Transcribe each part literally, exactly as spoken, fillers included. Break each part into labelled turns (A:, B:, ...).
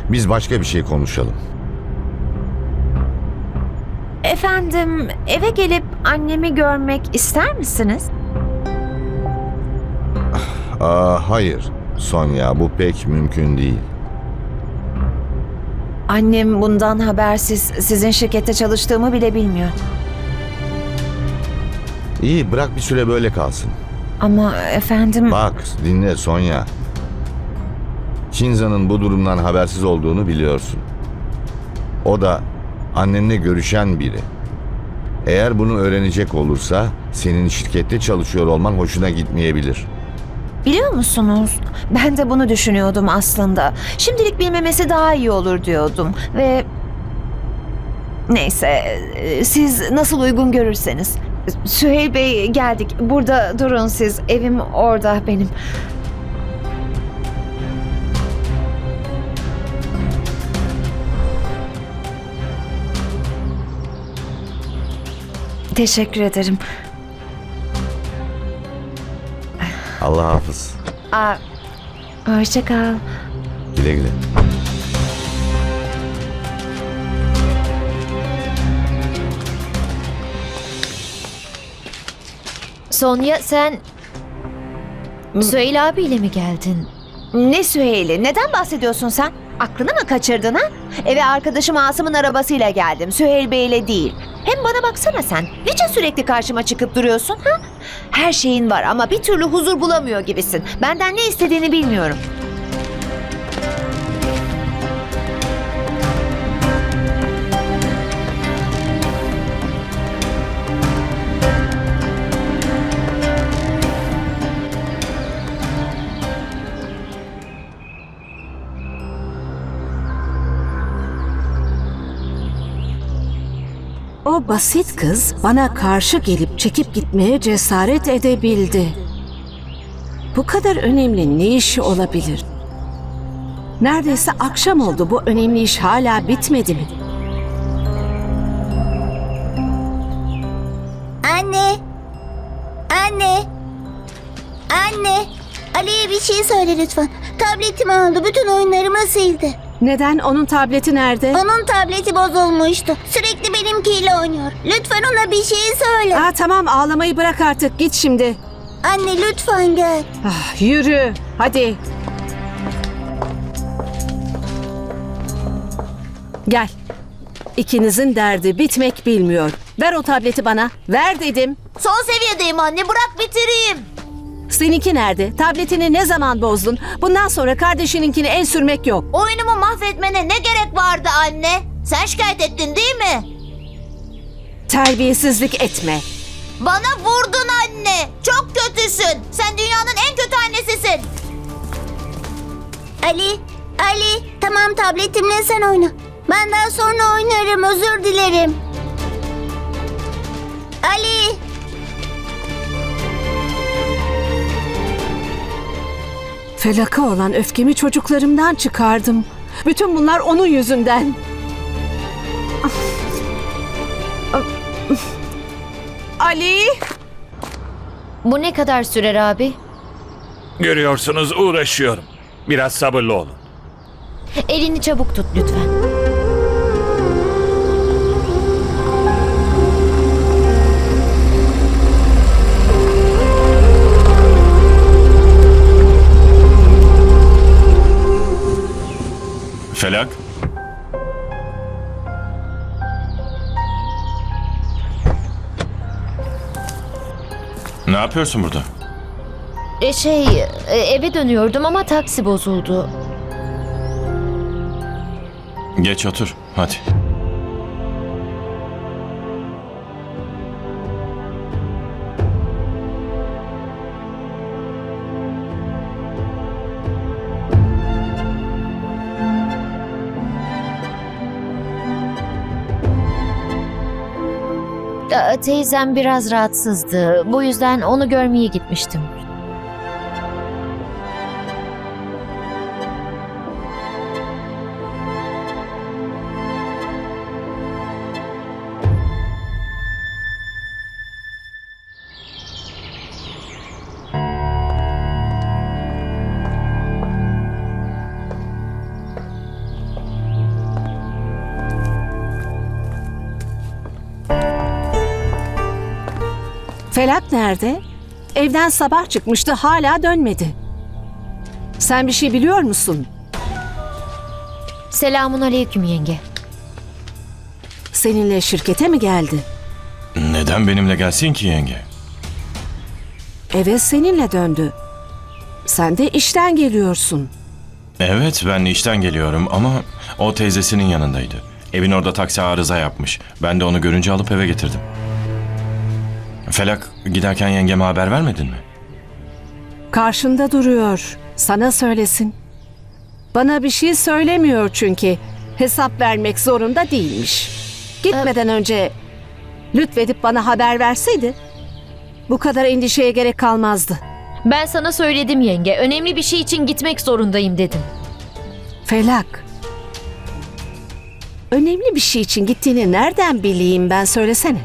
A: Biz başka bir şey konuşalım.
B: Efendim, eve gelip annemi görmek ister misiniz?
A: Aa, hayır Sonya, bu pek mümkün değil.
B: Annem bundan habersiz sizin şirkette çalıştığımı bile bilmiyor.
A: İyi, bırak bir süre böyle kalsın.
B: Ama efendim...
A: Bak, dinle Sonya. Shinza'nın bu durumdan habersiz olduğunu biliyorsun. O da annenle görüşen biri. Eğer bunu öğrenecek olursa senin şirkette çalışıyor olman hoşuna gitmeyebilir.
B: Biliyor musunuz? Ben de bunu düşünüyordum aslında. Şimdilik bilmemesi daha iyi olur diyordum ve... Neyse, e, siz nasıl uygun görürseniz. Süheyl Bey, geldik. Burada durun siz. Evim orada benim. Teşekkür ederim.
A: Allah hafız.
B: Aa, hoşça kal.
A: Güle güle.
C: Sonya, sen Süheyl abiyle mi geldin?
B: Ne Süheyl'i? Neden bahsediyorsun sen? Aklını mı kaçırdın ha? Eve arkadaşım Asım'ın arabasıyla geldim. Süheyl Bey'le değil. Hem bana baksana sen. Niçin sürekli karşıma çıkıp duruyorsun ha? Her şeyin var ama bir türlü huzur bulamıyor gibisin. Benden ne istediğini bilmiyorum.
D: O basit kız bana karşı gelip çekip gitmeye cesaret edebildi. Bu kadar önemli ne işi olabilir? Neredeyse akşam oldu, bu önemli iş hala bitmedi mi?
E: Anne! Anne! Anne! Ali'ye bir şey söyle lütfen. Tabletimi aldı, bütün oyunlarımı sildi.
D: Neden? Onun tableti nerede?
E: Onun tableti bozulmuştu. Sürekli benimkiyle oynuyor. Lütfen ona bir şey söyle.
D: Aa, tamam, ağlamayı bırak artık, git şimdi.
E: Anne lütfen gel.
D: Ah, yürü, hadi. Gel. İkinizin derdi bitmek bilmiyor. Ver o tableti bana. Ver dedim.
E: Son seviyedeyim anne, bırak bitireyim.
D: Seninki nerede? Tabletini ne zaman bozdun? Bundan sonra kardeşininkini el sürmek yok.
E: Oyunumu mahvetmene ne gerek vardı anne? Sen şikayet ettin değil mi?
D: Terbiyesizlik etme.
E: Bana vurdun anne. Çok kötüsün. Sen dünyanın en kötü annesisin. Ali, Ali. Tamam, tabletimle sen oyna. Ben daha sonra oynarım, özür dilerim. Ali.
D: Felaka olan öfkemi çocuklarımdan çıkardım. Bütün bunlar onun yüzünden. Ali!
C: Bu ne kadar sürer abi?
F: Görüyorsunuz, uğraşıyorum. Biraz sabırlı olun.
C: Elini çabuk tut lütfen.
F: Felak. Ne yapıyorsun burada?
C: E şey, e, eve dönüyordum ama taksi bozuldu.
F: Geç otur, hadi.
C: E, Teyzem biraz rahatsızdı. Bu yüzden onu görmeye gitmiştim.
D: Felak nerede? Evden sabah çıkmıştı, hala dönmedi. Sen bir şey biliyor musun?
C: Selamun aleyküm yenge.
D: Seninle şirkete mi geldi?
F: Neden benimle gelsin ki yenge?
D: Eve seninle döndü. Sen de işten geliyorsun.
F: Evet, ben işten geliyorum ama o teyzesinin yanındaydı. Evin orada taksi arıza yapmış. Ben de onu görünce alıp eve getirdim. Felak, giderken yengeme haber vermedin mi?
D: Karşında duruyor. Sana söylesin. Bana bir şey söylemiyor çünkü. Hesap vermek zorunda değilmiş. Gitmeden önce lütfedip bana haber verseydi bu kadar endişeye gerek kalmazdı.
C: Ben sana söyledim yenge. Önemli bir şey için gitmek zorundayım dedim.
D: Felak. Önemli bir şey için gittiğini nereden bileyim ben, söylesene.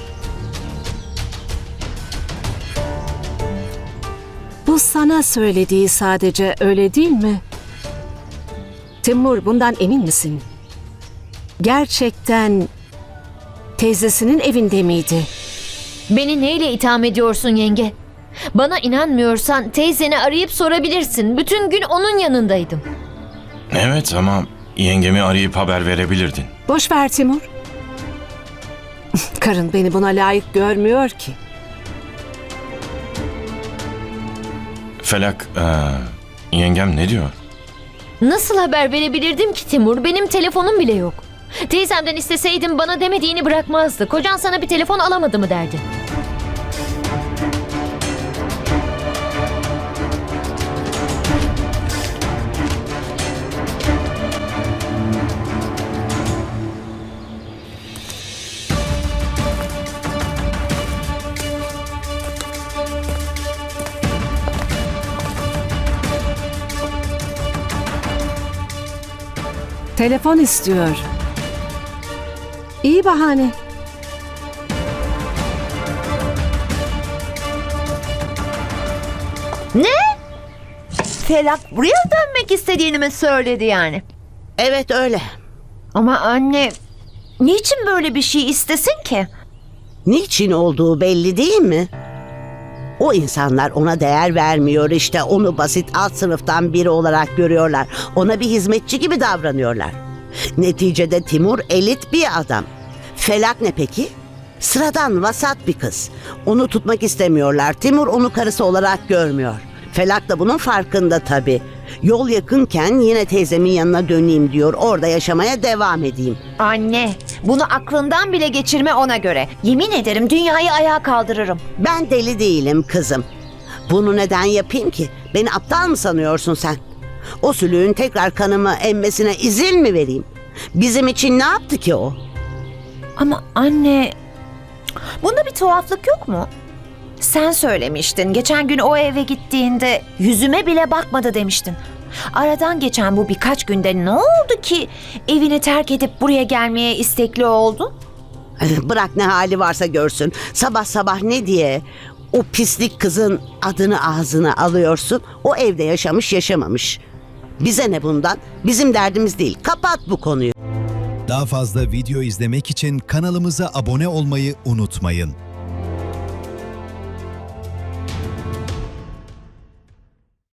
D: Bu sana söylediği sadece, öyle değil mi? Timur, bundan emin misin? Gerçekten teyzesinin evinde miydi?
C: Beni neyle itham ediyorsun yenge? Bana inanmıyorsan teyzeni arayıp sorabilirsin. Bütün gün onun yanındaydım.
F: Evet ama yengemi arayıp haber verebilirdin.
D: Boş ver Timur. Karın beni buna layık görmüyor ki.
F: Felak, ee, yengem ne diyor?
C: Nasıl haber verebilirdim ki Timur? Benim telefonum bile yok. Teyzemden isteseydim bana demediğini bırakmazdı. Kocan sana bir telefon alamadı mı derdi.
D: Telefon istiyor. İyi bahane.
B: Felak buraya dönmek istediğini mi söyledi yani?
G: Evet öyle.
B: Ama anne, niçin böyle bir şey istesin ki?
G: Niçin olduğu belli değil mi? O insanlar ona değer vermiyor işte. Onu basit alt sınıftan biri olarak görüyorlar. Ona bir hizmetçi gibi davranıyorlar. Neticede Timur elit bir adam. Felak ne peki? Sıradan vasat bir kız. Onu tutmak istemiyorlar. Timur onu karısı olarak görmüyor. Felak da bunun farkında tabii. Yol yakınken yine teyzemin yanına döneyim diyor. Orada yaşamaya devam edeyim.
B: Anne, bunu aklından bile geçirme ona göre. Yemin ederim dünyayı ayağa kaldırırım.
G: Ben deli değilim kızım. Bunu neden yapayım ki? Beni aptal mı sanıyorsun sen? O sülüğün tekrar kanımı emmesine izin mi vereyim? Bizim için ne yaptı ki o?
B: Ama anne, bunda bir tuhaflık yok mu? Sen söylemiştin. Geçen gün o eve gittiğinde yüzüme bile bakmadı demiştin. Aradan geçen bu birkaç günde ne oldu ki evini terk edip buraya gelmeye istekli oldu?
G: Bırak ne hali varsa görsün. Sabah sabah ne diye o pislik kızın adını ağzına alıyorsun? O evde yaşamış yaşamamış. Bize ne bundan? Bizim derdimiz değil. Kapat bu konuyu.
H: Daha fazla video izlemek için kanalımıza abone olmayı unutmayın.